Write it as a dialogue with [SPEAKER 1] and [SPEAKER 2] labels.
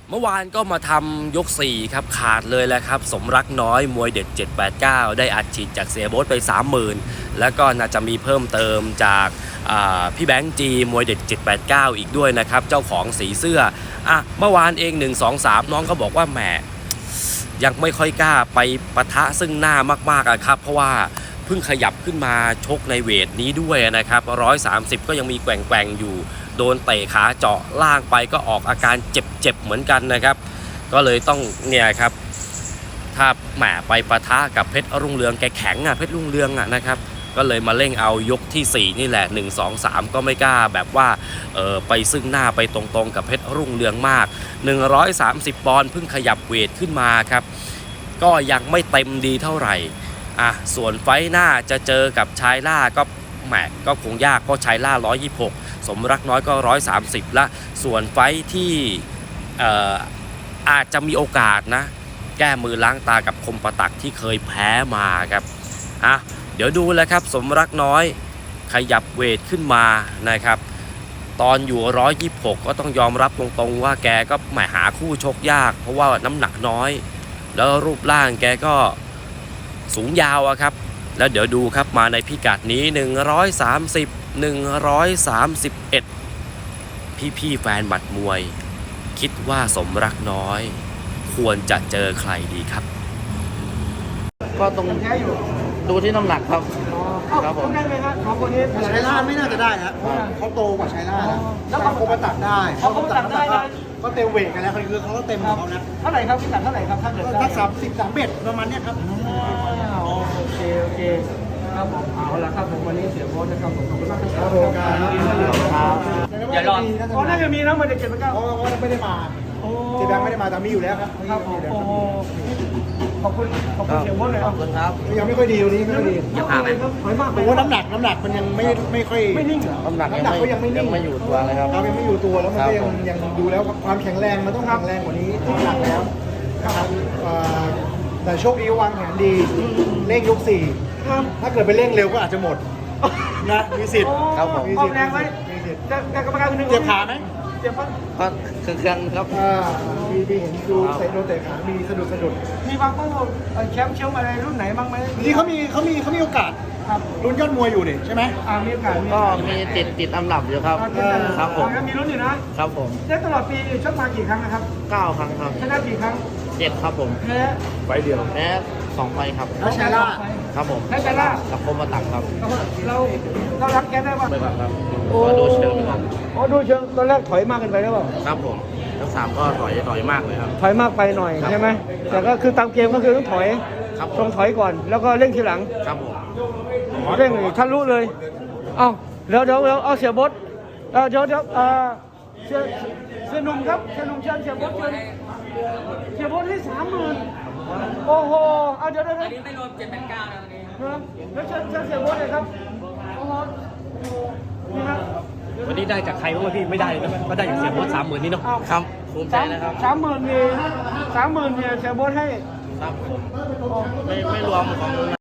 [SPEAKER 1] เมื่อวานก็มาทำยก4ครับขาดเลยแหละครับสมรักน้อยมวยเด็ด789ได้อัดฉีดจากเสียโบ๊ทไป 30,000แล้วก็น่าจะมีเพิ่มเติมจากพี่แบงค์จีมวยเด็ด789อีกด้วยนะครับเจ้าของสีเสื้อเมื่อวานเอง1 2 3น้องก็บอกว่าแหมยังไม่ค่อยกล้าไปปะทะซึ่งหน้ามากๆครับเพราะว่าเพิ่งขยับขึ้นมาชกในเวทนี้ด้วยนะครับ130ก็ยังมีแกว่งๆอยู่โดนเตะขาเจาะล่างไปก็ออกอาการเจ็บๆเหมือนกันนะครับก็เลยต้องเนี่ยครับถ้าแหมไปปะทะกับเพชรรุ่งเรืองแกแข็งเพชรรุ่งเรืองนะครับก็เลยมาเร่งเอายกที่4นี่แหละ1 2 3ก็ไม่กล้าแบบว่าไปซึ่งหน้าไปตรงๆกับเพชรรุ่งเรืองมาก130ปอนด์เพิ่งขยับเวทขึ้นมาครับก็ยังไม่เต็มดีเท่าไหร่ส่วนไฟหน้าจะเจอกับชายล่าก็แหมก็คงยากเพราะชายล่า126สมรักน้อยก็130ละส่วนไฟที่อาจจะมีโอกาสนะแก้มือล้างตากับคมประตักที่เคยแพ้มาครับเดี๋ยวดูแล้วครับสมรักน้อยขยับเวทขึ้นมานะครับตอนอยู่126ก็ต้องยอมรับตรงๆว่าแกก็หาคู่ชกยากเพราะว่าน้ำหนักน้อยแล้วรูปร่างแกก็สูงยาวครับแล้วเดี๋ยวดูครับมาในพิกัดนี้130 131พี่แฟนหมัดมวยคิดว่าสมรักน้อยควรจะเจอใครดีครับ
[SPEAKER 2] ก็ตรงดูที่น้ำหนักครับครับผม
[SPEAKER 3] ได้ไหมครับของคนนี้
[SPEAKER 4] ชัยนาทไม่น่าจะได้นะเขาโตกว่าชัยนาทนะแล้วเขามาตัดได้
[SPEAKER 3] เขาตัดได้
[SPEAKER 4] ก็เต็มเวทกันแล้วคือเขาก็เต็มของเขานะ
[SPEAKER 3] เท่าไหร่ครับพิกัดเท่าไหร่ครับถ้าเกิด
[SPEAKER 4] ถ้า30-31ประมาณนี้ครับ
[SPEAKER 3] โอเคครับผมเอาละครับผมวันนี้เสียโบ๊ทนะครับผมขอบคุณมากครับ
[SPEAKER 4] อย่ารอ
[SPEAKER 3] น่าจะมีนะมันจะเก็บไปก้าว
[SPEAKER 4] เพราะไม่ได้มาเจแบงไม่ได้มาแต่มีอยู่แล้วครับ
[SPEAKER 3] ขอบคุณเสียโบ๊ทเลย
[SPEAKER 2] ครับ
[SPEAKER 4] ยังไม่ค่อยดีวันนี้ไม่ค่อยดี
[SPEAKER 2] ยังห่างไหม
[SPEAKER 3] ถอยมาก
[SPEAKER 4] ผมว่าน้ำหนักมันยังไม่ค่อย
[SPEAKER 3] ไม่นิ่ง
[SPEAKER 2] น้ำหนักก็ยังไม่อยู่ตัวเลยครับ
[SPEAKER 4] ยังไม่อยู่ตัวแล้วมันก็ยังดูแล้วความแข็งแรงมันต้องแข็งแรงกว่านี้น้ำหนักแล้วครับแต่โชคดีวางแผนดีเร่งยก4ถ้าเกิดไปเร่งเร็วก็อาจจะหมดนะมีสิทธิ์
[SPEAKER 2] ครับผม
[SPEAKER 3] ออกแรงไว้แต่กรรมการคนนึง
[SPEAKER 4] เจ็บขาไหม
[SPEAKER 3] เจ็บปะ
[SPEAKER 2] ก็เครื่องครับ
[SPEAKER 4] มีเห็นดูเตะโดนเตะขามีสะดุด
[SPEAKER 3] มีบางคนแชมป์อะไรรุ่นไหนบ้างไหม
[SPEAKER 4] นี่เขามีโอกาส
[SPEAKER 3] ครับ
[SPEAKER 4] รุ่นยอดมวยอยู่นี่ใช่ไหม
[SPEAKER 3] มีโอกาส
[SPEAKER 2] ก็มีติดอันดับอยู่ครับครับผม
[SPEAKER 3] มีรุ่นอยู่นะครับ
[SPEAKER 2] ผม
[SPEAKER 3] ได้ตลอดปีชกมากี่ครั้งนะครับ
[SPEAKER 2] 9 ครั้งครับ
[SPEAKER 3] ชนะกี่ครั้ง
[SPEAKER 2] 7ครับผม
[SPEAKER 3] แพ้
[SPEAKER 4] ไฟเดียว
[SPEAKER 2] แพ้2 ไฟครับ
[SPEAKER 4] แล้วชนะ
[SPEAKER 2] ครับผม
[SPEAKER 3] แพ้ชนะ
[SPEAKER 2] กับคมประตักครับ
[SPEAKER 3] เรารักแกได้ป่ะ
[SPEAKER 2] ไม่ครับก็ดูเชิงครับ
[SPEAKER 3] ดูเชิงตอนแรกถอยมากเกินไปหรือเปล่า
[SPEAKER 2] ครับผมทั้ง3ก็ถอยมากเลยครับ
[SPEAKER 3] ถอยมากไปหน่อยใช่ไหมแต่ก็คือตามเกมก็คือต้องถอยต้องถอยก่อนแล้วก็เร่งทีหลัง
[SPEAKER 2] ครับผม
[SPEAKER 3] เร่งทะลุเลยเดี๋ยวเอาเสียบดเดี๋ยวเสียหนุ่มครับเสียหนุ่มเชิญเสียบดเสียบดที่30,000โอ้โหเดี๋ยว
[SPEAKER 5] อันนี้ไม่รวม789นะ
[SPEAKER 3] แล้วเชิญเสียบดเลยครับโอ้โหนี่ครับ
[SPEAKER 1] วันนี้ได้จากใครบ้างพี่ไม่ได้นะก็ได้จากเสียโบ๊ท30,000นี่เนาะ
[SPEAKER 2] ครับภูมิใจนะครับ
[SPEAKER 3] 30,000เนี่ยเสียบดให้
[SPEAKER 2] ครับผมไม่รวมของ